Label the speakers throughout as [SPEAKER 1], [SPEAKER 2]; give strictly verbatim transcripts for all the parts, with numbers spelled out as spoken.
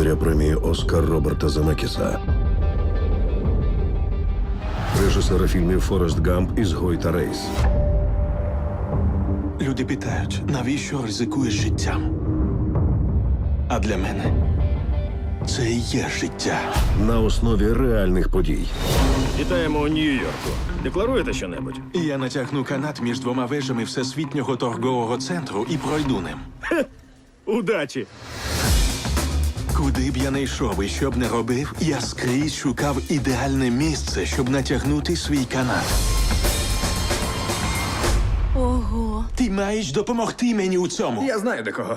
[SPEAKER 1] володаря премії Оскар Роберта Земекіса, режисера фільмів «Форест Гамп», «Ізгой» та «Рейс».
[SPEAKER 2] Люди питають, навіщо ризикуєш життям? А для мене це і є життя.
[SPEAKER 1] На основі реальних подій.
[SPEAKER 3] Вітаємо у Нью-Йорку. Декларуєте щонебудь?
[SPEAKER 2] І я натягну канат між двома вежами Всесвітнього торгового центру і пройду ним.
[SPEAKER 3] Удачі!
[SPEAKER 2] Куди б я не йшов і що б не робив, я скрізь шукав ідеальне місце, щоб натягнути свій канат.
[SPEAKER 4] Ого.
[SPEAKER 2] Ти маєш допомогти мені у цьому.
[SPEAKER 3] Я знаю, до кого.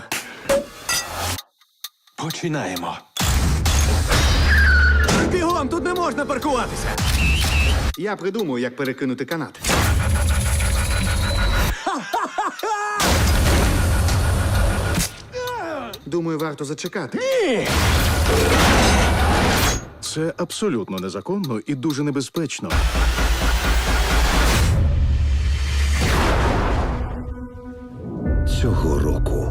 [SPEAKER 2] Починаємо.
[SPEAKER 3] Бігом, тут не можна паркуватися!
[SPEAKER 5] Я придумаю, як перекинути канат. Думаю, варто зачекати.
[SPEAKER 6] Це абсолютно незаконно і дуже небезпечно.
[SPEAKER 1] Цього року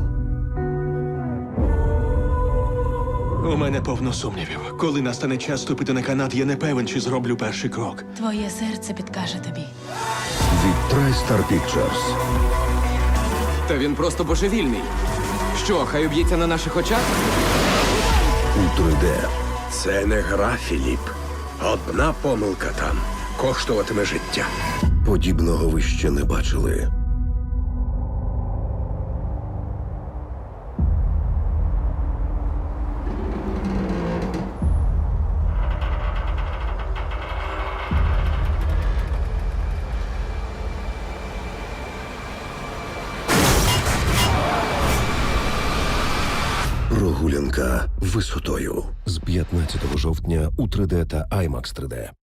[SPEAKER 2] У мене повно сумнівів. Коли настане час ступити на канат, я не певен, чи зроблю перший крок.
[SPEAKER 4] Твоє серце підкаже тобі.
[SPEAKER 1] від TriStar Pictures.
[SPEAKER 7] Та він просто божевільний. Що, хай уб'ється на наших очах?
[SPEAKER 1] У три де.
[SPEAKER 8] Це не гра, Філіп. Одна помилка там коштуватиме життя.
[SPEAKER 1] Подібного ви ще не бачили. Прогулянка висотою з п'ятнадцятого жовтня у три де та аймакс три де.